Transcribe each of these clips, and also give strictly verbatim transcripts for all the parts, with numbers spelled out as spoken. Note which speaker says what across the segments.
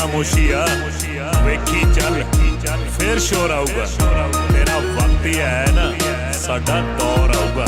Speaker 1: ਖਾਮੋਸ਼ੀ ਆ ਵੇਖੀ ਚੱਲ ਫੇਰ ਸ਼ੋਰ ਆਊਗਾ ਤੇਰਾ ਵਕਤ ਹੀ ਹੈ ਨਾ ਸਾਡਾ ਦੌਰ ਆਊਗਾ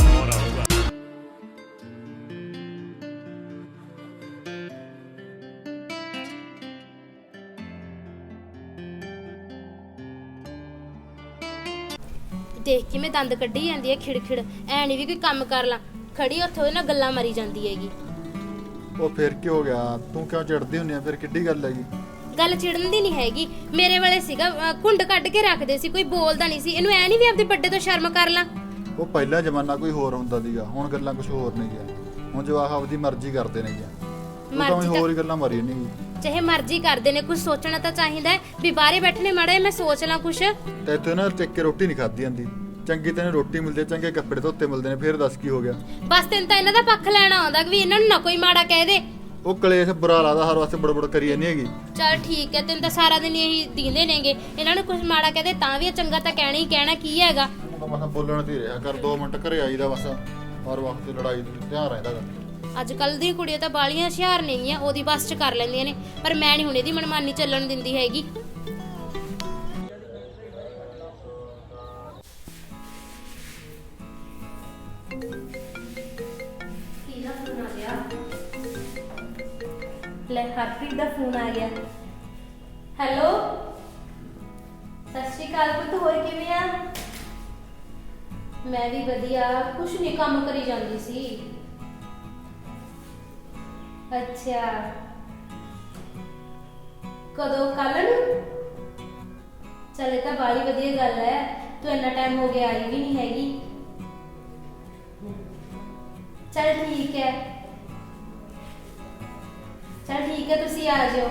Speaker 2: देख के मैं दंद कड्ढी जांदी है खिड़ खिड़ ऐ नहीं भी कोई काम कर ला खड़ी उत्थे ओदे नाल गल्लां मारी जांदी हैगी।
Speaker 3: ਉਹ ਫਿਰ ਕੀ ਹੋ ਗਿਆ ਤੂੰ ਕਿਉਂ ਚਿੜਦੀ ਹੁੰਨੀ ਆ ਫਿਰ ਕਿੱਡੀ ਗੱਲ ਹੈਗੀ
Speaker 2: ਗੱਲ ਛਿੜਨ ਦੀ ਨਹੀਂ ਹੈਗੀ ਮੇਰੇ ਵਾਲੇ ਸੀਗਾ ਘੁੰਡ ਕੱਢ ਕੇ ਰੱਖਦੇ ਸੀ ਕੋਈ ਬੋਲਦਾ ਨਹੀਂ ਸੀ ਇਹਨੂੰ ਐ ਨਹੀਂ ਵੀ ਆਪਦੇ ਵੱਡੇ ਤੋਂ ਸ਼ਰਮ ਕਰ ਲਾ।
Speaker 3: ਉਹ ਪਹਿਲਾ ਜ਼ਮਾਨਾ ਕੋਈ ਹੋਰ ਹੁੰਦਾ ਸੀਗਾ ਹੁਣ ਗੱਲਾਂ ਕੁਝ ਹੋਰ ਨਹੀਂ ਗਿਆ ਹੁਣ ਜਵਾਕ ਆਪਦੀ ਮਰਜ਼ੀ ਕਰਦੇ ਨੇ ਗਿਆ ਤੂੰ ਤਾਂ ਹੋਰ ਹੀ ਗੱਲਾਂ ਮਾਰੀ ਨਹੀਂ
Speaker 2: ਚਾਹੇ ਮਰਜ਼ੀ ਕਰਦੇ ਨੇ ਕੁਝ ਸੋਚਣਾ ਤਾਂ ਚਾਹੀਦਾ ਹੈ ਵੀ ਬਾਹਰੇ ਬੈਠਣੇ ਮਾੜੇ ਮੈਂ ਸੋਚ ਲਾਂ ਕੁਝ
Speaker 3: ਤੇ ਇੱਥੇ ਨਾ ਟਿਕ ਕੇ ਰੋਟੀ ਨਹੀਂ ਖਾਦੀ ਜਾਂਦੀ ਚੰਗੀ ਤੈਨੂੰ ਰੋਟੀ ਮਿਲਦੀ ਚੰਗੇ ਕੱਪੜੇ ਧੋਤੇ ਮਿਲਦੇ ਨੇ ਫਿਰ ਦੱਸ ਕੀ ਹੋ ਗਿਆ
Speaker 2: ਬਸ ਤੈਨੂੰ ਤਾਂ ਇਹਨਾਂ ਦਾ ਪੱਖ ਲੈਣਾ ਆਉਂਦਾ ਕਿ ਵੀ ਇਹਨਾਂ ਨੂੰ ਨਾ ਕੋਈ ਮਾੜਾ ਕਹਿ ਦੇ
Speaker 3: ਉਹ ਕਲੇਸ਼ ਬੁਰਾ ਲੱਗਦਾ ਹਰ ਵਾਸਤੇ ਬੜਬੜ ਕਰੀ ਜਾਂਦੀ ਹੈਗੀ
Speaker 2: ਚਲ ਠੀਕ ਹੈ ਤੈਨੂੰ ਤਾਂ ਸਾਰਾ ਦਿਨ ਇਹੀ ਦੀਂਦੇ ਨੇਗੇ ਇਹਨਾਂ ਨੂੰ ਕੁਝ ਮਾੜਾ ਕਹਦੇ ਤਾਂ ਵੀ ਚੰਗਾ ਤਾਂ ਕਹਿਣਾ ਹੀ ਕਹਿਣਾ ਕੀ ਹੈਗਾ
Speaker 3: ਬਸ ਬੋਲਣ ਤੇ ਰਿਹਾ ਕਰ ਦੋ ਮਿੰਟ ਘਰੇ ਆਈਦਾ ਬਸ ਹਰ ਵਕਤ ਲੜਾਈ ਦੀ ਧਿਆਨ ਰਹਿੰਦਾ
Speaker 2: ਅੱਜ ਕੱਲ ਦੀਆਂ ਕੁੜੀਆਂ ਤਾਂ ਬਾਲੀਆਂ ਹੁਸ਼ਿਆਰ ਨੇਗੀਆਂ ਉਹਦੀ ਬਸ ਚ ਕਰ ਲੈਂਦੀਆਂ ਨੇ ਪਰ ਮੈਂ ਨਹੀਂ ਹੁਣ ਇਹਦੀ ਮਨਮਾਨੀ ਚੱਲਣ ਦਿੰਦੀ ਹੈਗੀ। ਲੈ ਹਰਪ੍ਰੀਤ ਦਾ ਫੋਨ ਆ ਗਿਆ। ਹੈਲੋ ਸਤਿ ਸ਼੍ਰੀ ਅਕਾਲ ਪੁੱਤ ਹੋਰ ਕਿਵੇਂ ਆ? ਮੈਂ ਵੀ ਵਧੀਆ ਕੁਛ ਨਹੀਂ ਕੰਮ ਕਰੀ ਜਾਂਦੀ ਸੀ। ਅੱਛਾ ਕਦੋਂ ਕੱਲ ਨੂੰ? ਚਲੇ ਤਾਂ ਬਾਲੀ ਵਧੀਆ ਗੱਲ ਹੈ ਤੂੰ ਇੰਨਾ ਟਾਈਮ ਹੋ ਗਿਆ ਆਈ ਵੀ ਨਹੀਂ ਹੈਗੀ। ਚਲ ਠੀਕ ਹੈ ਚਲ ਠੀਕ ਹੈ ਤੁਸੀਂ ਆ ਜਾਓ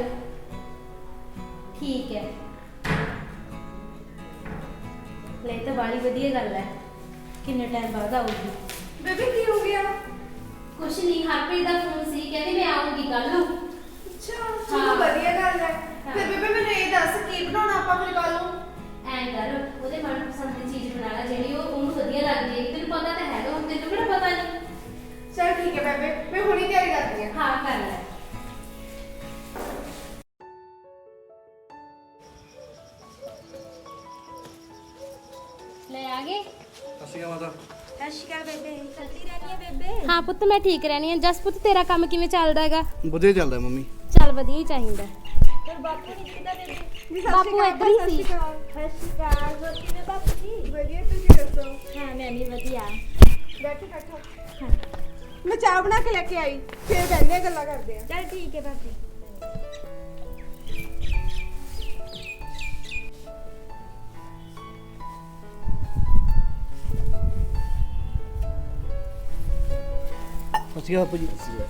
Speaker 2: ਠੀਕ ਹੈ। ਲੈ ਤਾਂ ਬਾਲੀ ਵਧੀਆ ਗੱਲ ਹੈ ਕਿੰਨੇ ਟਾਈਮ ਬਾਅਦ ਆਉਗੀ।
Speaker 4: ਬੇਬੇ ਕੀ ਹੋ ਗਿਆ?
Speaker 2: ਕੁਛ ਨਹੀਂ ਹਰਪ੍ਰੀਤ ਦਾ ਫੋਨ ਸੀ ਕਹਿੰਦੀ ਮੈਂ ਆਉਂਗੀ ਕੱਲ ਨੂੰ।
Speaker 4: ਅੱਛਾ ਚਲੋ ਵਧੀਆ ਗੱਲ ਹੈ। ਫਿਰ ਬੇਬੇ ਮੈਨੂੰ ਇਹ ਦੱਸ ਕੀ ਬਣਾਉਣਾ ਆਪਾਂ ਫਿਰ ਕੱਲ ਨੂੰ?
Speaker 2: ਐਂ ਕਰ ਉਹਦੇ ਮਨਪਸੰਦ ਦੀ ਚੀਜ਼ ਬਣਾ ਲੈ ਜਿਹੜੀ ਉਹ ਉਹਨੂੰ ਵਧੀਆ ਲੱਗਦੀ ਹੈ ਤੈਨੂੰ ਪਤਾ ਤਾਂ ਹੈਗਾ ਹੁਣ ਤੈਨੂੰ ਕਿਹੜਾ ਪਤਾ ਨਹੀਂ।
Speaker 4: ਚਲ ਠੀਕ ਹੈ ਬੇਬੇ ਮੈਂ ਹੁਣੀ ਤਿਆਰੀ ਕਰਦੀ ਹਾਂ।
Speaker 2: ਹਾਂ ਕਰ ਲੈ। ਲੈ ਆ ਗਏ।
Speaker 5: ਸਤਿ ਸ਼੍ਰੀ ਅਕਾਲ ਮਾਤਾ।
Speaker 4: ਸਤਿ ਸ਼੍ਰੀ ਅਕਾਲ ਬੇਬੇ ਚਲਦੀ ਰਹਿਣੀ ਹੈ ਬੇਬੇ?
Speaker 2: ਹਾਂ ਪੁੱਤ ਮੈਂ ਠੀਕ ਰਹਿਣੀ ਆ। ਜਸ ਪੁੱਤ ਤੇਰਾ ਕੰਮ ਕਿਵੇਂ ਚੱਲਦਾ ਹੈਗਾ?
Speaker 5: ਵਧੀਆ ਚੱਲਦਾ ਮੰਮੀ।
Speaker 2: ਚੱਲ ਵਧੀਆ ਹੀ ਚਾਹੀਦਾ।
Speaker 4: ਤੇ ਬਾਪੂ ਨਹੀਂ ਕਿੱਦਾਂ ਬੇਬੇ?
Speaker 2: ਬਾਪੂ ਇੱਧਰ ਹੀ ਸੀ।
Speaker 4: ਸਤਿ ਸ਼੍ਰੀ ਅਕਾਲ ਹੋਰ ਕਿਵੇਂ ਬਾਪੂ ਜੀ? ਵਧੀਆ ਤੁਸੀਂ ਦੱਸੋ?
Speaker 2: ਹਾਂ ਮੈਂ ਵੀ ਵਧੀਆ।
Speaker 4: ਬੈਠੋ ਬੈਠੋ। ਮੈਂ ਚਾਹ ਬਣਾ ਕੇ ਲੈ ਕੇ ਆਈ ਫਿਰ ਬੈਠਦੇ ਗੱਲਾਂ ਕਰਦੇ ਆ।
Speaker 2: ਚੱਲ ਠੀਕ ਹੈ ਬਾਪੂ।
Speaker 5: ਸਤਿ ਸ਼੍ਰੀ ਅਕਾਲ ਬਾਪੂ ਜੀ।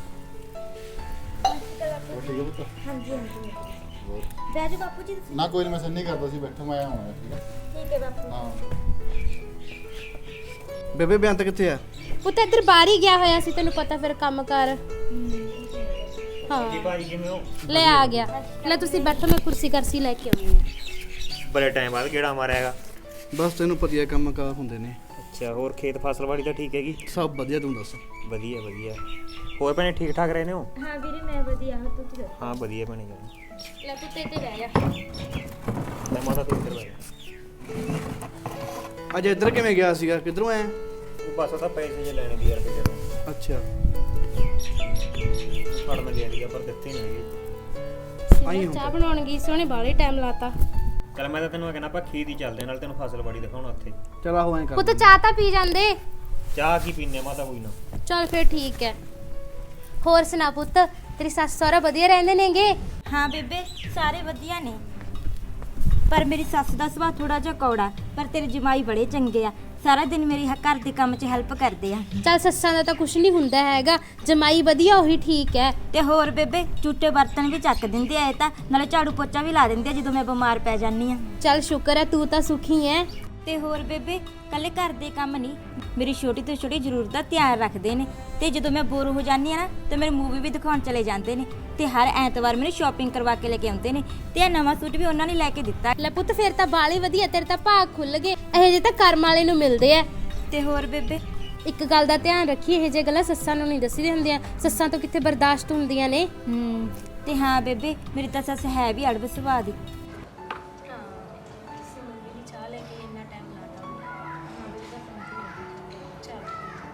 Speaker 4: ਹਾਂਜੀ ਹਾਂਜੀ ਬੈਠੋ ਬਾਪੂ ਜੀ।
Speaker 3: ਨਾ ਕੋਈ ਨਹੀਂ ਮੈਂ ਸੰਨੀ ਕਰਦਾ ਸੀ ਬੈਠੋ ਮੈਂ ਆਉਣਾ ਠੀਕ ਹੈ।
Speaker 4: ਠੀਕ ਹੈ ਬਾਪੂ।
Speaker 3: ਹਾਂ
Speaker 5: ਬੇਬੇ ਬਿਆਨ ਤਾਂ ਕਿੱਥੇ ਆ?
Speaker 2: ਪੁੱਤ ਇੱਧਰ ਬਾਹਰ ਹੀ ਗਿਆ ਹੋਇਆ ਸੀ ਤੈਨੂੰ ਪਤਾ ਫਿਰ ਕੰਮ ਕਰ। ਹਾਂ
Speaker 6: ਭਾਈ ਕਿਵੇਂ ਹੋ?
Speaker 2: ਲੈ ਆ ਗਿਆ। ਲੈ ਤੁਸੀਂ ਬੈਠੋ ਮੈਂ ਕੁਰਸੀ ਕਰਸੀ ਲੈ ਕੇ ਆਉਂਦੀ ਹਾਂ।
Speaker 6: ਬੜੇ ਟਾਈਮ ਬਾਅਦ ਕਿਹੜਾ ਮਾਰਿਆ ਹੈਗਾ?
Speaker 5: ਬਸ ਤੈਨੂੰ ਪਤਾ ਹੈ ਕੰਮ ਕਾਰ ਹੁੰਦੇ ਨੇ।
Speaker 6: ਅੱਛਾ ਹੋਰ ਖੇਤ ਫਸਲ ਵਾੜੀ ਤਾਂ ਠੀਕ ਹੈਗੀ?
Speaker 5: ਸਭ ਵਧੀਆ ਤੂੰ ਦੱਸ।
Speaker 6: ਵਧੀਆ ਵਧੀਆ। ਹੋਰ ਭੈਣੇ ਠੀਕ ਠਾਕ ਰਹੇ ਨੇ ਹੋ?
Speaker 4: ਹਾਂ ਵੀਰੇ ਮੈਂ ਵਧੀਆ ਹਾਂ ਤੂੰ ਦੱਸ?
Speaker 6: ਹਾਂ ਵਧੀਆ ਭੈਣੇ ਜੀ।
Speaker 2: ਲੈ ਪੁੱਤ ਇੱਥੇ ਬਹਿ ਜਾ।
Speaker 6: ਮੈਂ ਮਾਤਾ ਤੋਂ ਇੱਧਰ ਆਇਆ।
Speaker 5: ਅੱਜ ਇੱਧਰ ਕਿਵੇਂ ਗਿਆ ਸੀਗਾ ਕਿੱਧਰੋਂ ਆਇਆ?
Speaker 6: ਉਹ ਬਸ ਉਹ ਤਾਂ ਪੈਸੇ ਜੇ ਲੈਣੇ ਦੀ ਯਾਰ ਕਿਤੇ ਤੋਂ
Speaker 5: ਅੱਛਾ
Speaker 6: ਫੜ ਮੈਂ ਲਿਆ ਲਿਆ ਪਰ ਦਿੱਤੇ ਨਹੀਂ ਹੈਗੇ।
Speaker 5: ਆਈ
Speaker 2: ਚਾਹ
Speaker 5: ਹੁੰਦਾ
Speaker 2: ਬਣਾਉਣ ਗਈ ਸੀ ਉਹਨੇ ਬਾਹਲੇ ਟਾਈਮ ਲਾਤਾ।
Speaker 6: ਚੱਲ ਮੈਂ ਤਾਂ ਤੈਨੂੰ ਕਹਿੰਦਾ ਆਪਾਂ ਖੇਤ ਹੀ ਚੱਲਦੇ ਨਾਲ ਤੈਨੂੰ ਫਸਲ ਵਾੜੀ ਦਿਖਾਉਣਾ ਉੱਥੇ।
Speaker 5: ਚਲ ਆਹੋ ਐਂ ਕਰ
Speaker 2: ਪੁੱਤ ਚਾਹ ਤਾਂ ਪੀ ਜਾਂਦੇ।
Speaker 6: ਚਾਹ ਕੀ ਪੀਨੇ ਮਾਤਾ ਕੋਈ ਨਾ।
Speaker 2: ਚੱਲ ਫਿਰ ਠੀਕ ਹੈ। ਹੋਰ ਸੁਣਾ ਪੁੱਤ ਤੇਰੀ ਸੱਸ ਸਹੁਰਾ ਵਧੀਆ ਰਹਿੰਦੇ ਨੇਗੇ?
Speaker 7: ਹਾਂ ਬੇਬੇ ਸਾਰੇ ਵਧੀਆ ਨੇ ਪਰ ਮੇਰੀ ਸੱਸ ਦਾ ਸੁਭਾਅ ਥੋੜਾ ਜਿਹਾ ਕੌੜਾ ਪਰ ਤੇਰੇ ਜਮਾਈ ਬੜੇ ਚੰਗੇ ਆ ਸਾਰਾ ਦਿਨ ਮੇਰੀ ਹ- ਘਰ ਦੇ ਕੰਮ 'ਚ ਹੈਲਪ ਕਰਦੇ ਆ।
Speaker 2: ਚੱਲ ਸੱਸਾਂ ਦਾ ਤਾਂ ਕੁਛ ਨਹੀਂ ਹੁੰਦਾ ਹੈਗਾ ਜਮਾਈ ਵਧੀਆ ਉਹੀ ਠੀਕ ਹੈ।
Speaker 7: ਤੇ ਹੋਰ ਬੇਬੇ ਝੂਟੇ ਬਰਤਨ ਵੀ ਚੱਕ ਦਿੰਦੇ ਆ ਇਹ ਤਾਂ ਨਾਲੇ ਝਾੜੂ ਪੋਚਾ ਵੀ ਲਾ ਦਿੰਦੇ ਆ ਜਦੋਂ ਮੈਂ ਬਿਮਾਰ ਪੈ ਜਾਂਦੀ ਆ।
Speaker 2: ਚੱਲ ਸ਼ੁਕਰ ਹੈ ਤੂੰ ਤਾਂ ਸੁਖੀ ਹੈ।
Speaker 7: ਤੇ ਹੋਰ ਬੇਬੇ ਕੱਲੇ ਘਰ ਦੇ ਕੰਮ ਨਹੀਂ ਮੇਰੀ ਛੋਟੀ ਤੋਂ ਛੋਟੀ ਜ਼ਰੂਰਤ ਦਾ ਧਿਆਨ ਰੱਖਦੇ ਨੇ ਤੇ ਜਦੋਂ ਮੈਂ ਬੋਰ ਹੋ ਜਾਂਦੀ ਆ ਨਾ ਤੇ ਮੇਰੇ ਮੂਵੀ ਵੀ ਦਿਖਾਉਣ ਚਲੇ ਜਾਂਦੇ ਨੇ ਤੇ ਹਰ ਐਤਵਾਰ ਮੈਨੂੰ ਸ਼ਾਪਿੰਗ ਕਰਵਾ ਕੇ ਲੈ ਕੇ ਆਉਂਦੇ ਨੇ ਤੇ ਇਹ ਨਵਾਂ ਸੂਟ ਵੀ ਉਹਨਾਂ ਨੇ ਲੈ ਕੇ ਦਿੱਤਾ।
Speaker 2: ਲੈ ਪੁੱਤ ਫਿਰ ਤਾਂ ਬਾਲੀ ਵਧੀਆ ਤੇਰੇ ਤਾਂ ਭਾਗ ਖੁੱਲ ਗਏ ਇਹੋ ਜਿਹੇ ਤਾਂ ਕਰਮ ਵਾਲੇ ਨੂੰ ਮਿਲਦੇ ਆ।
Speaker 7: ਤੇ ਹੋਰ ਬੇਬੇ
Speaker 2: ਇੱਕ ਗੱਲ ਦਾ ਧਿਆਨ ਰੱਖੀ ਇਹੋ ਜਿਹੇ ਗੱਲਾਂ ਸੱਸਾਂ ਨੂੰ ਨਹੀਂ ਦੱਸੀਆਂ ਹੁੰਦੀਆਂ ਸੱਸਾਂ ਤੋਂ ਕਿੱਥੇ ਬਰਦਾਸ਼ਤ ਹੁੰਦੀਆਂ ਨੇ।
Speaker 7: ਹੂੰ ਤੇ ਹਾਂ ਬੇਬੇ ਮੇਰੀ ਤਾਂ ਸੱਸ ਹੈ ਵੀ ਅੜਬ ਸੁਭਾਅ ਦੀ।
Speaker 2: ਹਾਂ ਸਿਮਰ ਵੀ ਨੀ ਚਾਹ ਲੈ ਕੇ ਇੰਨਾ ਟਾਈਮ ਲਾਤਾ ਉਹਨੇ। ਹਾਂ ਵੀ ਤਾਂ ਫੋਨ ਤੇ ਲੱਗੀ। ਚੱਲ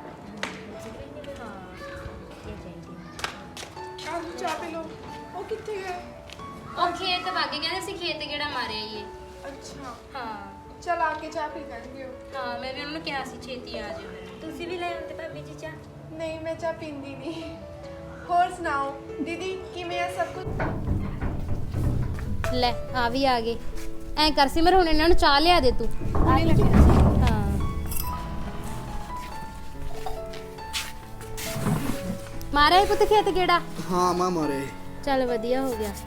Speaker 2: ਹਾਂ ਇਹ ਚਾਹੀਦੀ
Speaker 4: ਆਹ ਚਾਹ ਪੀ ਲਓ। ਉਹ ਕਿੱਥੇ ਗਏ?
Speaker 2: ਉਹ ਖੇਤ ਵਾਗੇ ਕਹਿੰਦੇ ਸੀ ਖੇਤ ਕਿਹੜਾ ਮਾਰਿਆ ਈ ਇਹ।
Speaker 4: ਅੱਛਾ
Speaker 2: ਹਾਂ
Speaker 4: ਚਲ ਆ ਕੇ ਚਾਹ ਪੀ ਲੈਣਗੇ ਉਹ।
Speaker 2: ਹਾਂ ਮੈਂ ਵੀ ਉਹਨਾਂ ਨੂੰ ਕਿਹਾ ਸੀ ਛੇਤੀ ਆ ਜਾਓ।
Speaker 7: ਤੁਸੀਂ ਵੀ ਲੈ ਆਉਂਦੇ ਭਾਬੀ ਜੀ ਚਾਹ।
Speaker 4: ਨਹੀਂ ਮੈਂ ਚਾਹ ਪੀਂਦੀ ਨਹੀਂ। ਹੋਰ ਸੁਣਾਓ ਦੀਦੀ ਕਿਵੇਂ ਆ ਸਭ ਕੁਝ?
Speaker 2: ਲੈ ਆ ਵੀ ਆ ਗਏ। ਐਂ ਕਰ ਸਿਮਰ ਹੁਣ ਇਹਨਾਂ ਨੂੰ ਚਾਹ ਲਿਆ ਦੇ ਤੂੰ।
Speaker 4: ਨਹੀਂ ਲੱਗਣਾ ਸੀ।
Speaker 2: ਹਾਂ ਮਾਰਿਆ ਈ ਪੁੱਤ ਖੇਤ ਕਿਹੜਾ?
Speaker 5: ਹਾਂ ਮਾਂ ਮਾਰੇ।
Speaker 2: ਚੱਲ ਵਧੀਆ ਹੋ ਗਿਆ।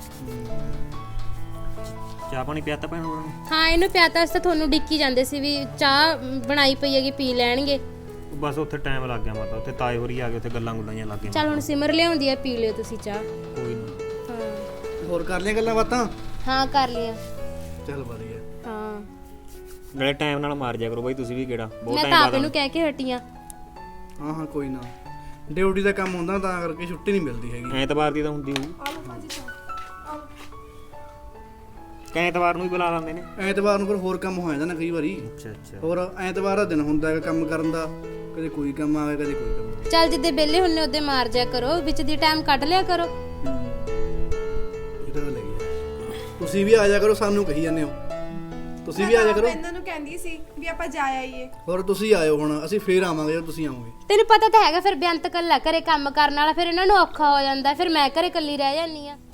Speaker 6: ਚਾਹ ਪਾਣੀ ਪਿਆਤਾ ਭੈਣ ਹੋਰਾਂ ਨੂੰ?
Speaker 2: ਹਾਂ ਇਹਨੂੰ ਪਿਆਤਾ ਅਸੀਂ ਤਾਂ ਤੁਹਾਨੂੰ ਡਿੱਕੀ ਜਾਂਦੇ ਸੀ ਵੀ ਚਾਹ ਬਣਾਈ ਪਈ ਹੈਗੀ ਪੀ ਲੈਣਗੇ।
Speaker 6: ਉਹ ਬਸ ਉੱਥੇ ਟਾਈਮ ਲੱਗ ਗਿਆ ਮਾਤਾ, ਉੱਥੇ ਤਾਏ ਹੋਰੀ ਆ ਗਏ, ਉੱਥੇ ਗੱਲਾਂ ਗੁੱਲਾਂ ਜਿਹੀਆਂ ਲੱਗ ਗਈਆਂ।
Speaker 2: ਚੱਲ ਹੁਣ ਸਿਮਰ ਲਿਆਉਂਦੀ ਆ ਪੀ ਲਿਓ ਤੁਸੀਂ ਚਾਹ।
Speaker 6: ਕੋਈ ਨਾ।
Speaker 2: ਹਾਂ
Speaker 5: ਹੋਰ ਕਰ ਲਿਆ ਗੱਲਾਂ ਬਾਤਾਂ?
Speaker 2: ਹਾਂ ਕਰ ਲਿਆ।
Speaker 5: ਚੱਲ ਵਧੀਆ।
Speaker 2: ਹਾਂ
Speaker 6: ਨਾਲੇ ਟਾਈਮ ਨਾਲ ਮਾਰ ਜਾ ਕਰੋ ਬਾਈ ਤੁਸੀਂ ਵੀ ਕਿਹੜਾ ਬਹੁਤ
Speaker 2: ਮੈਂ
Speaker 6: ਟਾਈਮ
Speaker 2: ਤਾਂ
Speaker 6: ਬਾਅਦ
Speaker 2: ਆਪ ਇਹਨੂੰ ਕਹਿ ਕੇ ਹਟੀਆਂ।
Speaker 5: ਹਾਂ ਹਾਂ ਕੋਈ ਨਾ, ਡਿਊਟੀ ਦਾ ਕੰਮ ਹੁੰਦਾ ਤਾਂ ਕਰਕੇ ਛੁੱਟੀ ਨਹੀਂ ਮਿਲਦੀ ਹੈਗੀ।
Speaker 6: ਐਤਵਾਰ ਦੀ ਤਾਂ ਹੁੰਦੀ ਹੋਊ।
Speaker 4: ਆ ਲਓ ਭਾਜੀ ਚਾਹ। ਆਓ।
Speaker 6: ਕਈ ਐਤਵਾਰ ਨੂੰ ਹੀ ਬੁਲਾ ਲੈਂਦੇ ਨੇ।
Speaker 5: ਐਤਵਾਰ ਨੂੰ ਫਿਰ ਹੋਰ ਕੰਮ ਹੋ ਜਾਂਦਾ ਨਾ ਕਈ ਵਾਰੀ।
Speaker 6: ਅੱਛਾ ਅੱਛਾ।
Speaker 5: ਹੋਰ ਐਤਵਾਰ ਦਾ ਦਿਨ ਹੁੰਦਾ ਹੈਗਾ ਕੰਮ ਕਰਨ ਦਾ, ਕਦੇ ਕੋਈ ਕੰਮ ਆ ਗਿਆ ਕਦੇ ਕੋਈ ਕੰਮ।
Speaker 2: ਚੱਲ ਜਿੱਦੇ ਵਿਹਲੇ ਹੁੰਨੇ ਉਹਦੇ ਮਾਰ ਜਾ ਕਰੋ, ਵਿੱਚ ਦੀ ਟਾਈਮ ਕੱਢ ਲਿਆ ਕਰੋ।
Speaker 5: ਇਹ ਤਾਂ ਗੱਲ ਹੈਗੀ ਆ। ਤੁਸੀਂ ਵੀ ਆ ਜਾ ਕਰੋ, ਸਾਨੂੰ ਕਹੀ ਜਾਂਦੇ ਹੋ। ਤੁਸੀਂ ਵੀ ਆ ਜਾ ਕਰੋ।
Speaker 4: ਮੈਂ ਇਹਨਾਂ ਨੂੰ ਕਹਿੰਦੀ ਸੀ ਵੀ ਆਪਾਂ ਜਾ ਆਈਏ।
Speaker 5: ਹੋਰ ਤੁਸੀਂ ਆਇਓ, ਹੁਣ ਅਸੀਂ ਫੇਰ ਆਵਾਂਗੇ ਜਦੋਂ ਤੁਸੀਂ ਆਓਗੇ।
Speaker 2: ਤੈਨੂੰ ਪਤਾ ਤਾਂ ਹੈਗਾ ਫਿਰ ਬੇਅੰਤ ਕੱਲਾ ਘਰੇ ਕੰਮ ਕਰਨ ਵਾਲਾ, ਫਿਰ ਇਹਨਾਂ ਨੂੰ ਔਖਾ ਹੋ ਜਾਂਦਾ, ਫਿਰ ਮੈਂ ਘਰੇ ਇਕੱਲੀ ਰਹਿ ਜਾਂਦੀ ਆ।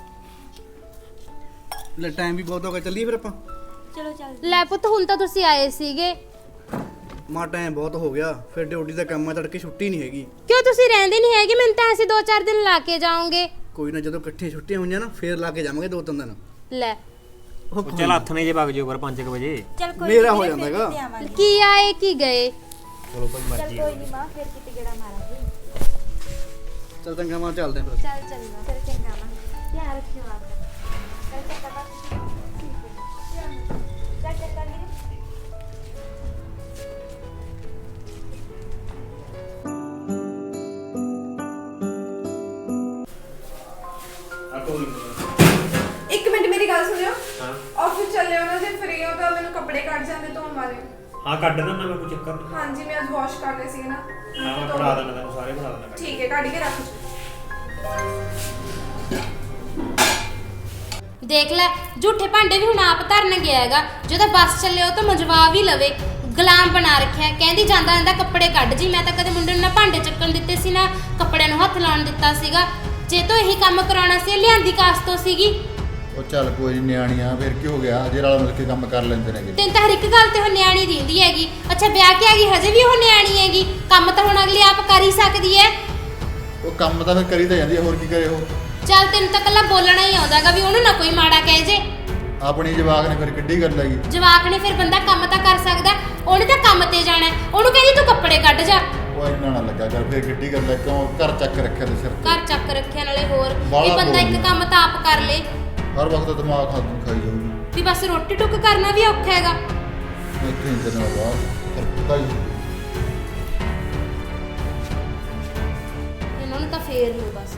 Speaker 5: ਲੈ ਟਾਈਮ ਵੀ ਬਹੁਤ ਹੋ ਗਿਆ, ਚੱਲੀਏ ਫਿਰ ਆਪਾਂ।
Speaker 7: ਚਲੋ ਚੱਲ।
Speaker 2: ਲੈ ਪੁੱਤ ਹੁਣ ਤਾਂ ਤੁਸੀਂ ਆਏ ਸੀਗੇ।
Speaker 5: ਮਾ ਟਾਈਮ ਬਹੁਤ ਹੋ ਗਿਆ, ਫਿਰ ਡਿਊਟੀ ਦਾ ਕੰਮ ਆ, ਤੜਕੇ ਛੁੱਟੀ ਨਹੀਂ ਹੈਗੀ।
Speaker 2: ਕਿਉਂ ਤੁਸੀਂ ਰਹਿੰਦੇ ਨਹੀਂ ਹੈਗੇ? ਮੈਨੂੰ ਤਾਂ ਅਸੀਂ ਦੋ ਚਾਰ ਦਿਨ ਲਾ ਕੇ ਜਾਓਗੇ।
Speaker 5: ਕੋਈ ਨਾ, ਜਦੋਂ ਇਕੱਠੀਆਂ ਛੁੱਟੀਆਂ ਹੋਈਆਂ ਨਾ ਫੇਰ ਲਾ ਕੇ ਜਾਵਾਂਗੇ ਦੋ ਤਿੰਨ ਦਿਨ।
Speaker 2: ਲੈ
Speaker 5: ਉਹ
Speaker 6: ਉਹ ਚੱਲ ਹੱਥ ਨੇ ਜੇ ਵਗ ਜਿਓ ਕਰ ਪੰਜ ਕੁ ਵਜੇ।
Speaker 7: ਚੱਲ ਕੋਈ
Speaker 5: ਮੇਰਾ
Speaker 7: ਨੀ,
Speaker 5: ਹੋ
Speaker 7: ਫਿਰ
Speaker 5: ਜਾਂਦਾ ਹੈਗਾ।
Speaker 7: ਕਿਤੇ ਆਵਾਂਗੇ।
Speaker 2: ਕੀ ਆਏ ਕੀ ਗਏ।
Speaker 6: ਚਲੋ ਭਾਈ
Speaker 7: ਚੱਲ
Speaker 6: ਮਰਜ਼ੀ
Speaker 7: ਕੋਈ ਨਹੀਂ ਮਾਂ, ਫਿਰ ਕਿਤੇ ਗੇੜਾ ਮਾਰਾਂਗੇ।
Speaker 5: ਚੱਲ ਚੰਗਾ ਮਾਂ, ਚੱਲਦੇ ਹਾਂ ਫਿਰ।
Speaker 7: ਚੱਲ ਚੰਗਾ ਫਿਰ ਚੰਗਾ ਮਾਂ, ਧਿਆਨ ਰੱਖਿਓ ਆਪਦਾ। ਚੱਲ ਚੰਗਾ ਬਾਬਾ। ਚੱਲ ਚੰਗਾ ਵੀਰੇ।
Speaker 6: ਆ ਕੋਈ
Speaker 4: ਇੱਕ ਮਿੰਟ ਮੇਰੀ ਗੱਲ ਸੁਣਿਓ।
Speaker 6: ਹਾਂ
Speaker 4: ਆਫਿਸ ਚੱਲੇ ਹੋ ਨਾ, ਜੇ ਫ੍ਰੀ ਹੋ ਤਾਂ ਮੈਨੂੰ ਕੱਪੜੇ ਕੱਢ ਜਾਂਦੇ ਧੋਣ ਵਾਲੇ।
Speaker 6: ਹਾਂ ਕੱਢ ਦਿੰਦਾ ਮੈਂ, ਕੋਈ ਚੱਕਰ ਨਹੀਂ।
Speaker 4: ਹਾਂਜੀ ਮੈਂ ਅੱਜ ਵਾਸ਼ ਕਰਨੇ ਸੀ ਨਾ।
Speaker 6: ਹਾਂ ਮੈਂ ਪੜਾ ਦਿੰਦਾ ਤੈਨੂੰ, ਸਾਰੇ ਪੜਾ ਦਿੰਦਾ।
Speaker 4: ਠੀਕ ਹੈ ਕੱਢ ਕੇ ਰੱਖ ਜੀ।
Speaker 2: ਦੇਖ ਲੈ ਝੂਠੇ ਭਾਂਡੇ ਵੀ ਹੁਣ ਆਪ ਧਰਨ ਗਿਆ ਹੈਗਾ। ਜਦੋਂ ਬੱਸ ਚੱਲੇ ਉਹ ਤਾਂ ਮਜਵਾ ਵੀ ਲਵੇ, ਗੁਲਾਮ ਬਣਾ ਰੱਖਿਆ। ਕਹਿੰਦੀ ਜਾਂਦਾ ਜਾਂਦਾ ਕੱਪੜੇ ਕੱਢ ਜੀ। ਮੈਂ ਤਾਂ ਕਦੇ ਮੁੰਡੇ ਨੂੰ ਨਾ ਭਾਂਡੇ ਚੱਕਣ ਦਿੱਤੇ ਸੀ ਨਾ ਕੱਪੜਿਆਂ ਨੂੰ ਹੱਥ ਲਾਉਣ ਦਿੱਤਾ ਸੀਗਾ। ਜੇ ਤੋਂ ਇਹੀ ਕੰਮ ਕਰਾਉਣਾ ਸੀ ਲਿਆਂਦੀ ਕਾਸ ਤੋਂ ਸੀਗੀ।
Speaker 3: ਉਹ ਚੱਲ ਕੋਈ ਨੀ, ਨਿਆਣੀਆਂ ਫਿਰ ਕੀ ਹੋ ਗਿਆ, ਜੇ ਰਲ ਮਿਲ ਕੇ ਕੰਮ ਕਰ ਲੈਂਦੇ ਨੇਗੇ।
Speaker 2: ਤੈਨੂੰ ਤਾਂ ਹਰ ਇੱਕ ਗੱਲ ਤੇ ਉਹ ਨਿਆਣੀ ਦਿੰਦੀ ਹੈਗੀ। ਅੱਛਾ ਵਿਆਹ ਕੇ ਆ ਗਈ ਹਜੇ ਵੀ ਉਹ ਨਿਆਣੀ ਹੈਗੀ। ਕੰਮ ਤਾਂ ਹੁਣ ਅਗਲੀ ਆਪ ਕਰ ਹੀ ਸਕਦੀ ਹੈ।
Speaker 3: ਉਹ ਕੰਮ ਤਾਂ ਫਿਰ ਕਰੀ ਤਾਂ ਜਾਂਦੀ ਆ, ਹੋਰ ਕੀ ਕਰੇ ਉਹ।
Speaker 2: ਚੱਲ ਤੈਨੂੰ ਤਾਂ ਕੱਲਾ ਬੋਲਣਾ ਹੀ ਆਉਂਦਾਗਾ ਵੀ ਉਹਨੂੰ ਨਾ ਕੋਈ ਮਾੜਾ ਕਹਿ ਜੇ।
Speaker 3: ਆਪਣੀ ਜਵਾਕ ਨੇ ਫਿਰ ਕਿੱਡੀ ਗੱਲ ਹੈਗੀ।
Speaker 2: ਜਵਾਕ ਨੇ ਫਿਰ ਬੰਦਾ ਕੰਮ ਤਾਂ ਕਰ ਸਕਦਾ, ਉਹਨੇ ਤਾਂ ਕੰਮ ਤੇ ਜਾਣਾ ਹੈ। ਉਹਨੂੰ ਕਹਿੰਦੀ ਤੂੰ ਕੱਪੜੇ ਕੱਢ ਜਾ।
Speaker 3: ਉਹ ਇੰਨਾ ਨਾ ਲੱਗਾ ਕਰ, ਫਿਰ ਕਿੱਡੀ ਗੱਲ ਹੈ, ਕਿਉਂ ਘਰ ਚੱਕ ਰੱਖਿਆ ਤੇ ਸਿਰ ਤੇ।
Speaker 2: ਘਰ ਚੱਕ ਰੱਖਿਆ ਨਾਲੇ ਹੋਰ ਵੀ
Speaker 3: ਬਾਹਲਾ
Speaker 2: ਬੰਦਾ ਇੱਕ
Speaker 3: ਬੋਲਦੀ।
Speaker 2: ਕੰਮ ਤਾਂ ਆਪ ਕਰ ਲੇ।
Speaker 3: ਹਰ ਵਕਤ ਦਿਮਾਗ ਹੱਥ ਨੂੰ ਖਾਈ ਜਾਊਗੀ।
Speaker 2: ਵੀ ਬਸ ਰੋਟੀ ਟੁੱਕ ਕਰਨਾ ਵੀ ਔਖਾ ਹੈਗਾ।
Speaker 3: ਇੱਥੇ ਇੰਦਰ ਨਾਲ ਬਾਹਰ ਫਿਰ ਪਤਾ ਹੀ
Speaker 2: ਇਹਨਾਂ ਨੂੰ ਤਾਂ ਫੇਰ ਲੋ ਬਸ।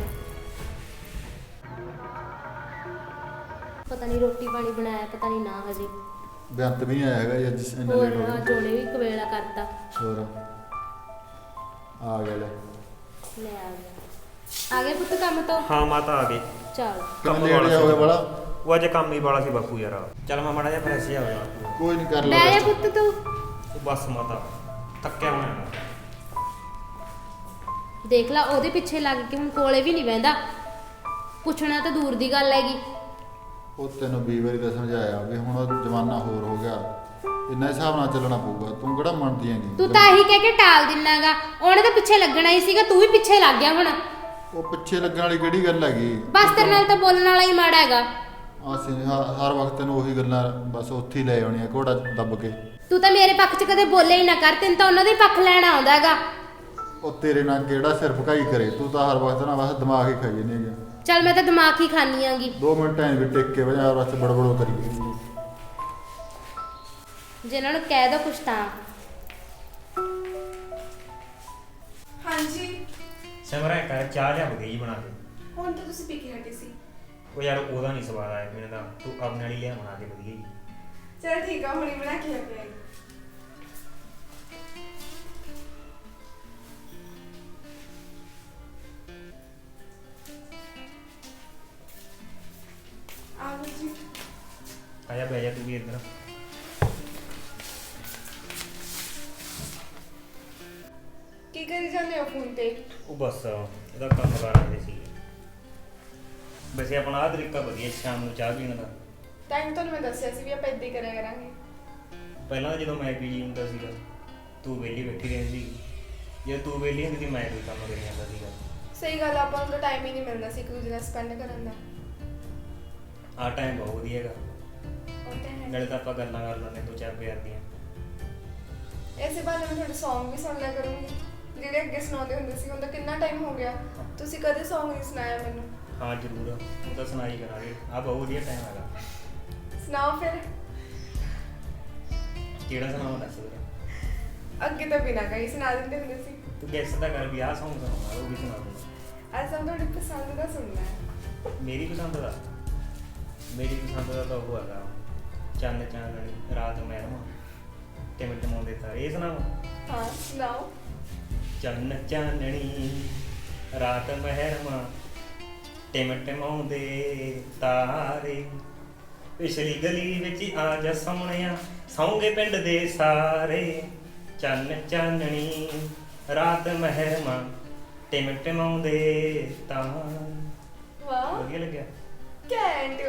Speaker 2: ਪਤਾ ਨਹੀਂ ਰੋਟੀ ਪਾਣੀ ਬਣਾਇਆ, ਪਤਾ ਨਹੀਂ ਨਾ ਹਜੇ।
Speaker 3: ਬੇਅੰਤ ਵੀ ਨਹੀਂ ਆਇਆ ਹੈਗਾ ਜੀ ਅੱਜ ਇੰਨਾ
Speaker 2: ਹੋਰ
Speaker 3: ਲੇਟ ਹੋ
Speaker 2: ਆ
Speaker 3: ਗਿਆ।
Speaker 2: ਜੋੜੇ ਵੀ ਕਵੇਲਾ ਕਰਤਾ।
Speaker 3: ਹੋਰ ਆ ਗਿਆ ਲੈ।
Speaker 2: ਲੈ ਆ ਗਿਆ। ਆ ਗਏ ਪੁੱਤ ਕੰਮ ਤੋਂ?
Speaker 6: ਹਾਂ ਮਾਤਾ ਆ ਗਏ।
Speaker 2: ਚੱਲ
Speaker 3: ਕੰਮ ਲੇਟ ਜਿਹਾ ਹੋ ਗਿਆ ਬੜਾ।
Speaker 6: ਉਹ ਅੱਜ ਕੰਮ ਹੀ ਵਾਲਾ ਸੀ ਬਾਪੂ ਯਾਰ। ਚੱਲ ਮੈਂ ਮਾੜਾ ਜਿਹਾ ਫਰੈਸ਼ ਜਿਹਾ ਹੋ ਜਾ।
Speaker 3: ਕੋਈ ਨਹੀਂ ਕਰ ਲੈ
Speaker 2: ਲੈ ਜਾ
Speaker 3: rest।
Speaker 2: ਪੁੱਤ ਤੂੰ।
Speaker 6: ਉਹ ਬਸ ਮਾਤਾ ਥੱਕਿਆ ਹੋਇਆ।
Speaker 2: ਦੇਖ ਲਾ ਉਹਦੇ ਪਿੱਛੇ ਲੱਗ ਕੇ ਹੁਣ ਕੋਲੇ ਵੀ ਨਹੀਂ ਬਹਿੰਦਾ। ਪੁੱਛਣਾ ਤਾਂ ਦੂਰ ਦੀ ਗੱਲ ਹੈਗੀ।
Speaker 3: ਉਹ ਤੈਨੂੰ ਵੀਹ ਵਾਰੀ ਤਾਂ ਸਮਝਾਇਆ ਵੀ ਹੁਣ ਜ਼ਮਾਨਾ ਹੋਰ ਹੋ ਗਿਆ, ਇੰਨਾ ਹਿਸਾਬ ਨਾਲ ਚੱਲਣਾ ਪਊਗਾ। ਤੂੰ ਕਿਹੜਾ ਮੰਨਦੀ ਹੈਗੀ।
Speaker 2: ਤੂੰ ਤਾਂ ਇਹੀ ਕਹਿ ਕੇ ਟਾਲ ਦਿੰਨਾਗਾ। ਉਹਨੇ ਤਾਂ ਪਿੱਛੇ ਲੱਗਣਾ ਹੀ ਸੀਗਾ, ਤੂੰ ਵੀ ਪਿੱਛੇ ਲੱਗ ਗਿਆ ਹੁਣ।
Speaker 3: ਉਹ ਪਿੱਛੇ ਲੱਗਣ ਵਾਲੀ ਕਿਹੜੀ ਗੱਲ ਹੈਗੀ।
Speaker 2: ਬਸ ਤੇਰੇ ਨਾਲ ਤਾਂ ਬੋਲਣ ਵਾਲਾ ਹੀ ਮਾੜਾ ਹੈਗਾ।
Speaker 3: ਅਸੀਂ ਹ- ਹਰ ਵਕਤ ਤੈਨੂੰ ਉਹੀ ਗੱਲਾਂ ਬਸ ਉੱਥੇ ਹੀ ਲੈ ਆਉਣੀਆਂ ਘੋੜਾ ਦੱਬ ਕੇ।
Speaker 2: ਤੂੰ ਤਾਂ ਮੇਰੇ ਪੱਖ 'ਚ ਕਦੇ ਬੋਲੇ ਹੀ ਨਾ ਕਰ, ਤੈਨੂੰ ਤਾਂ ਉਹਨਾਂ ਦਾ ਹੀ ਪੱਖ ਲੈਣਾ ਆਉਂਦਾ ਹੈਗਾ।
Speaker 3: ਉਹ ਤੇਰੇ ਨਾਲ ਕਿਹੜਾ ਸਿਰ ਭਕਾਈ ਕਰੇ, ਤੂੰ ਤਾਂ ਹਰ ਵਕਤ ਨਾ ਬਸ ਦਿਮਾਗ ਹੀ ਖਾਈ ਜਾਂਦੀ ਹੈਗੀ।
Speaker 2: ਚੱਲ ਮੈਂ ਤਾਂ ਦਿਮਾਗ ਹੀ ਖਾਨੀ ਆਂਗੀ।
Speaker 3: ਦੋ ਮਿੰਟ ਐਂ ਵੀ ਟਿਕ ਕੇ ਵਜਾ ਬਸ ਬੜਬੜੋ ਕਰੀ ਗਈ।
Speaker 2: ਜੇ ਇਹਨਾਂ ਨੂੰ ਕਹਿ ਦੋ ਕੁਛ ਤਾਂ।
Speaker 4: ਹਾਂਜੀ
Speaker 6: ਸਿਮਰਨ ਕਰ ਚਾਹ ਲਿਆ ਬਗਈ ਬਣਾ ਕੇ।
Speaker 4: ਹੁਣ ਤਾਂ ਤੁਸੀਂ ਪੀ ਕੇ ਹਟੇ ਸੀ।
Speaker 6: ਉਹ ਯਾਰ ਉਹਦਾ ਨਹੀਂ ਸਵਾਦ ਆਇਆ ਮੈਨੂੰ ਤਾਂ, ਤੂੰ ਆਪਣੇ ਵਾਲੀ ਲਿਆ ਬਣਾ ਕੇ ਵਧੀਆ ਜੀ।
Speaker 4: ਚਲ ਠੀਕ ਆ, ਹੁਣੀ ਬਣਾ ਕੇ ਲੈ ਕੇ ਆਈ। ਆਲੂ ਜੀ
Speaker 6: ਆਇਆ ਬਹਿ ਜਾ ਤੂੰ ਵੀ ਇੱਧਰ।
Speaker 4: ਕੀ ਕਰੀ ਜਾਂਦੇ ਹੋ ਫੋਨ ਤੇ?
Speaker 6: ਉਹ ਬਸ ਇਹਦਾ ਕੰਮ ਕਰ ਰਹੇ ਸੀ। ਵੈਸੇ ਆਪਣਾ ਆਹ ਤਰੀਕਾ ਵਧੀਆ ਸ਼ਾਮ ਨੂੰ ਚਾਹ ਪੀਣ ਦਾ।
Speaker 4: ਟਾਈਮ ਤੁਹਾਨੂੰ ਮੈਂ ਦੱਸਿਆ ਸੀ ਵੀ ਆਪਾਂ ਏਦਾਂ ਹੀ ਕਰਿਆ ਕਰਾਂਗੇ।
Speaker 6: ਪਹਿਲਾਂ ਜਦੋਂ ਮੈਂ ਪੀਜੀ ਹੁੰਦਾ ਸੀਗਾ ਤੂੰ ਵਿਹਲੀ ਬੈਠੀ ਰਹਿੰਦੀ ਸੀ, ਜੇ ਤੂੰ ਵਿਹਲੀ ਹੁੰਦੀ ਸੀ ਮੈਂ ਕੋਈ ਕੰਮ ਕਰੀ ਜਾਂਦਾ ਸੀਗਾ।
Speaker 4: ਸਹੀ ਗੱਲ ਆ, ਆਪਾਂ ਨੂੰ ਤਾਂ ਟਾਈਮ ਹੀ ਨਹੀਂ ਮਿਲਦਾ ਸੀ ਇੱਕ ਦੂਜੇ ਨਾਲ ਸਪੈਂਡ ਕਰਨ ਦਾ।
Speaker 6: ਆਹ ਟਾਈਮ ਬਹੁਤ ਵਧੀਆ ਹੈਗਾ,
Speaker 4: ਉਹ ਤਾਂ ਹੈ।
Speaker 6: ਨਾਲੇ ਤਾਂ ਆਪਾਂ ਗੱਲਾਂ ਕਰ ਲੈਂਦੇ ਦੋ ਚਾਰ ਪਿਆਰ ਦੀਆਂ।
Speaker 4: ਐਸੇ ਬਾਰੇ ਮੈਂ ਤੁਹਾਡੇ Song ਵੀ ਸੁਣ ਲਿਆ ਕਰੂੰਗੀ ਜਿਹੜੇ ਅੱਗੇ ਸੁਣਾਉਂਦੇ ਹੁੰਦੇ ਸੀ। ਹੁਣ ਤਾਂ ਕਿੰਨਾ ਟਾਈਮ ਹੋ ਗਿਆ, ਤੁਸੀਂ ਕਦੇ Song ਨਹੀਂ ਸੁਣਾਇਆ ਮੈਨੂੰ।
Speaker 6: ਹਾਂ ਜ਼ਰੂਰ, ਉਹ ਤਾਂ ਸੁਣਾਈ ਕਰਾਂਗੇ। ਆਹ ਬਹੁਤ ਵਧੀਆ ਟਾਈਮ ਹੈਗਾ।
Speaker 4: ਸੁਣਾਓ ਫਿਰ।
Speaker 6: ਕਿਹੜਾ ਸੁਣਾਵਾਂ ਦੱਸ ਵੀਰੇ।
Speaker 4: ਅੱਗੇ ਤਾਂ ਬਿਨਾਂ ਕਹੀ ਸੁਣਾ ਦਿੰਦੇ ਹੁੰਦੇ ਸੀ।
Speaker 6: ਤੂੰ ਗੈਸ ਤਾਂ ਕਰ ਵੀ ਆਹ ਸੌਂਗ ਸੁਣਾਉਣਾ, ਉਹ ਵੀ ਸੁਣਾ ਦੂੰਗਾ।
Speaker 4: ਅੱਜ ਤਾਂ ਤੁਹਾਡੀ ਪਸੰਦ ਦਾ ਸੁਣਨਾ ਹੈ।
Speaker 6: ਮੇਰੀ ਪਸੰਦ ਦਾ ਮੇਰੀ ਪਸੰਦ ਦਾ ਤਾਂ ਉਹ ਹੈਗਾ ਚੰਨ ਚਾਨਣੀ ਰਾਤ ਮਹਿਰਮਾ ਟਿਮ ਟਮਾਉਂਦੇ ਤਾਰੇ। ਇਹ ਸੁਣਾਵਾਂ?
Speaker 4: ਹਾਂ ਸੁਣਾਓ।
Speaker 6: ਚੰਨ ਚਾਨਣੀ ਰਾਤ ਮਹਿਰਮਾ ਟਿਮ ਟਮਾਉਂਦੇ ਤਾਰੇ, ਪਿਛਲੀ ਗਲੀ ਵਿੱਚ ਆ ਜਾ ਸੋਹਣਿਆ ਸੌਂਗੇ ਪਿੰਡ ਦੇ ਸਾਰੇ। ਚੰਨ ਚਾਨਣੀ ਰਾਤ ਮਹਿਰਮਾ ਟਿਮ ਟਮਾਉਂਦੇ ਤਾਰੇ।
Speaker 4: ਵਾਹ
Speaker 6: ਵਧੀਆ ਲੱਗਿਆ?
Speaker 4: ਕੈਂਟ।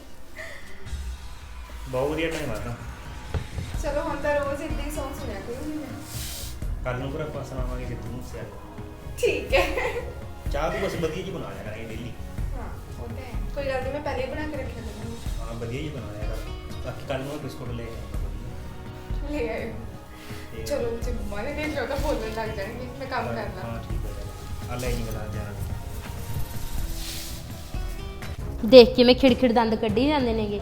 Speaker 6: ਬਹੁਤ ਵਧੀਆ ਟਾਈਮ ਆ ਤਾਂ।
Speaker 4: ਚਲੋ ਹੁਣ ਤਾਂ ਰੋਜ਼ ਇੱਦਾਂ ਹੀ Song ਸੁਣਿਆ ਕਰੂੰਗੀ ਮੈਂ।
Speaker 6: ਕੱਲ ਨੂੰ ਫਿਰ ਆਪਾਂ ਸੁਣਾਵਾਂਗੇ ਕਿ ਤੂੰ ਸਿਆ
Speaker 4: ਠੀਕ ਹੈ।
Speaker 6: ਚਾਹ ਤੂੰ ਬਸ ਵਧੀਆ ਜੀ ਬਣਾ ਲਿਆ ਕਰਾਂਗੇ ਡੇਲੀ।
Speaker 4: ਹਾਂ ਉਹ ਤਾਂ ਹੈ, ਕੋਈ ਗੱਲ ਨਹੀਂ, ਮੈਂ ਪਹਿਲੇ ਹੀ ਬਣਾ ਕੇ ਰੱਖਿਆ ਕਰਾਂਗੀ।
Speaker 6: ਹਾਂ ਵਧੀਆ ਜੀ ਬਣਾ ਲਿਆ ਕਰ। ਬਾਕੀ ਕੱਲ ਨੂੰ ਬਿਸਕੁਟ ਲੈ ਕੇ ਆਉਂਗਾ।
Speaker 4: ਲੈ ਆਇਓ।
Speaker 6: ਤੇ-
Speaker 4: ਚਲੋ ਜੇ ਮੰਮਾ ਨੇ ਦੇਖ ਲਿਆ ਤਾਂ ਬੋਲਣ ਲੱਗ ਜਾਣਗੇ। ਮੈਂ ਕੰਮ ਕਰਨਾ।
Speaker 6: ਹਾਂ ਠੀਕ ਹੈ। ਆ ਲੈ ਜੀ ਬਣਾ ਜਾਣਾ।
Speaker 2: ਦੇਖ ਕੇ ਮੈਂ ਖਿੜਖਿੜ ਦੰਦ ਕੱਢੀ ਜਾਂਦੇ ਨੇਗੇ।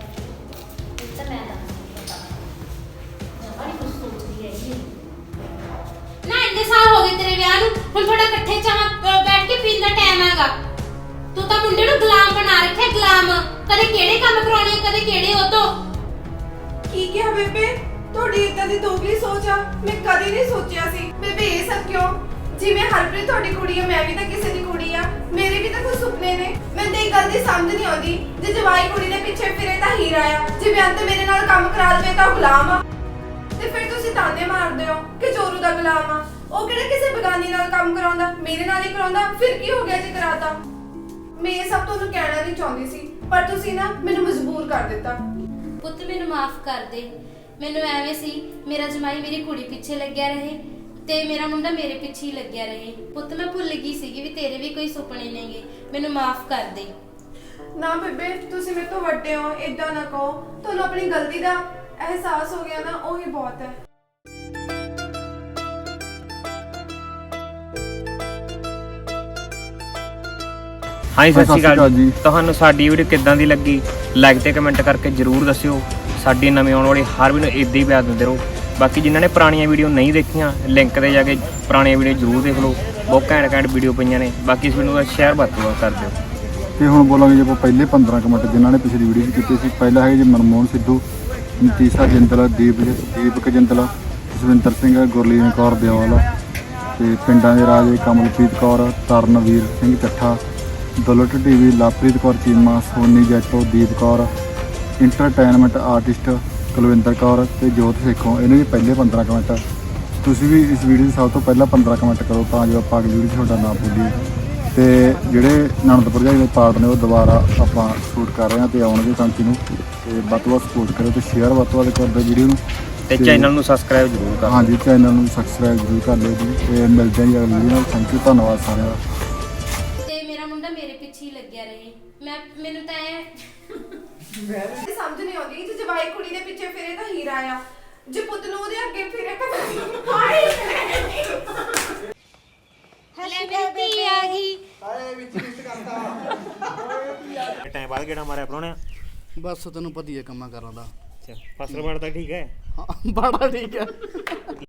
Speaker 2: ਨਾ ਇੰਨੇ ਸਾਲ ਹੋ ਗਏ ਤੇਰੇ ਵਿਆਹ ਨੂੰ, ਹੁਣ ਥੋੜਾ ਇਕੱਠੇ ਚਾਹ ਬੈਠ ਕੇ ਪੀਣ ਦਾ ਟਾਈਮ ਹੈਗਾ। ਤੂੰ ਤਾਂ ਮੁੰਡੇ ਨੂੰ ਗੁਲਾਮ ਬਣਾ ਰੱਖਿਆ, ਗੁਲਾਮ। ਕਦੇ ਕਿਹੜੇ ਕੰਮ ਕਰਾਉਣੇ, ਕਦੇ ਕਿਹੜੇ ਉਹ ਤੋਂ।
Speaker 4: ਕੀ ਕਿਹਾ ਬੇਬੇ? ਤੁਹਾਡੀ ਇਦਾਂ ਦੀ ਦੋਗਲੀ ਸੋਚ ਆ, ਮੈਂ ਕਦੇ ਨਹੀਂ ਸੋਚਿਆ ਸੀ। ਬੇਬੇ ਇਹ ਸਭ ਕਿਉਂ? ਜਿਵੇਂ ਹਰਪ੍ਰੀਤ ਤੁਹਾਡੀ ਕੁੜੀ ਆ, ਮੈਂ ਵੀ ਤਾਂ ਕਿਸੇ ਦੀ ਕੁੜੀ ਆ। ਮੇਰੇ ਵੀ ਤਾਂ ਕੁਝ ਸੁਪਨੇ ਨੇ। ਮੈਨੂੰ ਤਾਂ ਇਹ ਗੱਲ ਦੀ ਸਮਝ ਨਹੀਂ ਆਉਂਦੀ, ਜੇ ਜਵਾਈ ਕੁੜੀ ਦੇ ਪਿੱਛੇ ਫਿਰੇ ਤਾਂ ਹੀਰਾ ਆ, ਜੇ ਬਿਆੰਤ ਮੇਰੇ ਨਾਲ ਕੰਮ ਕਰਾ ਲਵੇ ਤਾਂ ਗੁਲਾਮ ਆ। ਤੇ ਫਿਰ ਤੁਸੀਂ ਤਾਨੇ ਮਾਰਦੇ ਹੋ ਕਿ ਚੋਰੂ ਦਾ ਗੁਲਾਮ ਆ। ਉਹ ਕਿਹੜਾ ਕਿਸੇ ਬਗਾਨੀ ਨਾਲ ਕੰਮ ਕਰਾਉਂਦਾ, ਮੇਰੇ ਨਾਲ ਹੀ ਕਰਾਉਂਦਾ। ਫਿਰ ਕੀ ਹੋ ਗਿਆ ਜੇ ਕਰਾਤਾ? ਮੈਂ ਇਹ ਸਭ ਤੁਹਾਨੂੰ ਕਹਿਣਾ ਨਹੀਂ ਚਾਹੁੰਦੀ ਸੀ, ਪਰ ਤੁਸੀਂ ਨਾ ਮੈਨੂੰ ਮਜਬੂਰ ਕਰ ਦਿੱਤਾ।
Speaker 2: ਪੁੱਤ ਮੈਨੂੰ ਮਾਫ ਕਰ ਦੇ। ਮੈਨੂੰ ਐਵੇਂ ਸੀ ਮੇਰਾ ਜਮਾਈ ਮੇਰੀ ਕੁੜੀ ਪਿੱਛੇ ਲੱਗਿਆ ਰਹੇ ਤੇ ਮੇਰਾ ਮੁੰਡਾ ਮੇਰੇ ਪਿੱਛੇ ਹੀ ਲੱਗਿਆ ਰਹੇ। ਪੁੱਤ ਮੈਂ ਭੁੱਲ ਗਈ ਸੀਗੀ ਵੀ ਤੇਰੇ ਵੀ ਕੋਈ ਸੁਪਨੇ ਨੇਗੇ। ਮੈਨੂੰ ਮਾਫ ਕਰ ਦੇ।
Speaker 4: ਨਾ ਬੇਬੇ, ਤੁਸੀਂ ਮੇਰੇ ਤੋਂ ਵੱਡੇ ਹੋ, ਇਦਾਂ ਨਾ ਕਹੋ। ਤੁਹਾਨੂੰ ਆਪਣੀ ਗਲਤੀ ਦਾ ਅਹਿਸਾਸ ਹੋ ਗਿਆ ਨਾ, ਉਹੀ ਬਹੁਤ ਹੈ।
Speaker 8: ਹਾਂਜੀ ਸਤਿ ਸ਼੍ਰੀ ਅਕਾਲ ਜੀ।
Speaker 3: ਜੀ।
Speaker 8: ਤੁਹਾਨੂੰ ਸਾਡੀ ਵੀਡੀਓ ਕਿੱਦਾਂ ਦੀ ਲੱਗੀ ਲਾਈਕ ਤੇ ਕਮੈਂਟ ਕਰਕੇ ਜਰੂਰ ਦੱਸਿਓ। ਸਾਡੀ ਨਵੀਂ ਆਉਣ ਵਾਲੀ ਹਰ ਵੀਡੀਓ ਇਦਾਂ ਹੀ ਪਿਆਰ ਦਿੰਦੇ ਰਹੋ। ਬਾਕੀ ਜਿਨ੍ਹਾਂ ਨੇ ਪੁਰਾਣੀਆਂ ਵੀਡੀਓ ਨਹੀਂ ਦੇਖੀਆਂ ਲਿੰਕ ਤੇ ਜਾ ਕੇ ਪੁਰਾਣੀਆਂ ਵੀਡੀਓ ਜਰੂਰ ਦੇਖ ਲਓ। ਬਹੁਤ ਘੈਂਟ ਘੈਂਟ ਵੀਡੀਓ ਪਈਆਂ ਨੇ। ਬਾਕੀ ਇਸ ਵੀਡੀਓ ਦਾ ਸ਼ੇਅਰ ਵੱਧ ਤੋਂ ਵੱਧ ਕਰ ਦਿਓ।
Speaker 3: ਤੇ ਹੁਣ ਬੋਲਾਂਗੇ ਜੇ ਆਪਾਂ ਪਹਿਲੇ ਪੰਦਰਾਂ ਕੁ ਮਿੰਟ ਜਿਨ੍ਹਾਂ ਨੇ ਪਿਛਲੀ ਵੀਡੀਓ 'ਚ ਕੀਤੇ ਸੀ। ਪਹਿਲਾ ਹੈ ਜੀ ਮਨਮੋਹਨ ਸਿੱਧੂ, ਨਤੀਸ਼ਾ ਜਿੰਦਲ, ਦੀਪ ਦੀਪਕ ਜਿੰਦਲ, ਜਸਵਿੰਦਰ ਸਿੰਘ, ਗੁਰਲੀਨ ਕੌਰ ਦਿਓਲ ਤੇ ਪਿੰਡਾਂ ਦੇ ਰਾਜੇ Kamalpreet Kaur, Taranveer Singh Chattha, Dulat TV, Lovepreet Kaur Cheema, Soni Jaito, Deep Kaur, entertainment artist Kulwinder Kaur ਤੇ ਜੋਤ ਸੇਖੋਂ। ਇਹਨਾਂ ਦੇ ਪਹਿਲੇ ਪੰਦਰਾਂ ਕੁ ਮਿੰਟ ਤੁਸੀਂ ਵੀ ਇਸ ਵੀਡੀਓ ਦੇ ਸਭ ਤੋਂ ਪਹਿਲਾਂ ਪੰਦਰਾਂ ਕੁ ਮਿੰਟ ਕਰੋ ਤਾਂ ਜੋ ਆਪਾਂ ਅਗਲੀ ਵੀਡੀਓ 'ਚ ਤੁਹਾਡਾ ਨਾਮ ਬੋਲੀਏ। ਤੇ ਜਿਹੜੇ ਨਣਦ ਭਰਜਾਈ ਦੇ ਪਾਰਟ ਨੇ ਉਹ ਦੁਬਾਰਾ ਆਪਾਂ ਸ਼ੂਟ ਕਰ ਰਹੇ ਹਾਂ ਤੇ ਆਉਣਗੇ ਕੰਟੀਨਿਊ। ਤੇ ਵੱਧ ਤੋਂ ਵੱਧ ਸਪੋਰਟ ਕਰੋ ਤੇ ਸ਼ੇਅਰ ਵੱਧ ਤੋਂ ਵੱਧ ਕਰ ਦਿਓ ਵੀਡੀਓ ਨੂੰ
Speaker 8: ਤੇ ਚੈਨਲ ਨੂੰ ਸਬਸਕ੍ਰਾਈਬ ਜਰੂਰ ਕਰੋ।
Speaker 3: ਹਾਂਜੀ ਚੈਨਲ ਨੂੰ ਸਬਸਕ੍ਰਾਈਬ ਜ਼ਰੂਰ ਕਰ ਲਿਓ ਜੀ। ਤੇ ਮਿਲਦੇ ਹਾਂ ਜੀ ਅਗਲੀ ਵੀਡੀਓ ਨਾਲ। ਥੈਂਕ ਯੂ, ਧੰਨਵਾਦ ਸਾਰਿਆਂ ਦਾ।
Speaker 2: ਤੇ ਮੇਰਾ ਮੁੰਡਾ ਮੇਰੇ ਪਿੱਛੇ ਹੀ ਲੱਗਿਆ ਰਹੇ। ਮੈਂ ਮੈਨੂੰ ਤਾਂ ਐ
Speaker 4: ਇਹ ਸਮਝ ਨਹੀਂ ਆਉਂਦੀ, ਜੇ ਜਵਾਈ ਕੁੜੀ ਦੇ ਪਿੱਛੇ ਫਿਰੇ ਤਾਂ ਹੀਰਾ ਆ, ਜੇ ਪੁੱਤ ਨੂੰ ਉਹਦੇ ਅੱਗੇ ਫਿਰੇ ਤਾਂ ਹਾਏ
Speaker 2: ਹਲੇ ਮੇਰੀ ਆ ਗਈ।
Speaker 6: ਟਾਈਮ ਬਾਅਦ ਕਿਹੜਾ ਮਾਰਿਆ ਪਰੋਣਿਆ?
Speaker 5: ਬਸ ਤੈਨੂੰ ਪਤਾ ਹੀ ਹੈ ਕੰਮਾਂ ਕਰਾਂ ਦਾ।
Speaker 6: ਅੱਛਾ ਫਸਲ ਵੜਦਾ ਠੀਕ ਹੈ?
Speaker 5: ਹਾਂ ਬੜਾ ਠੀਕ ਹੈ।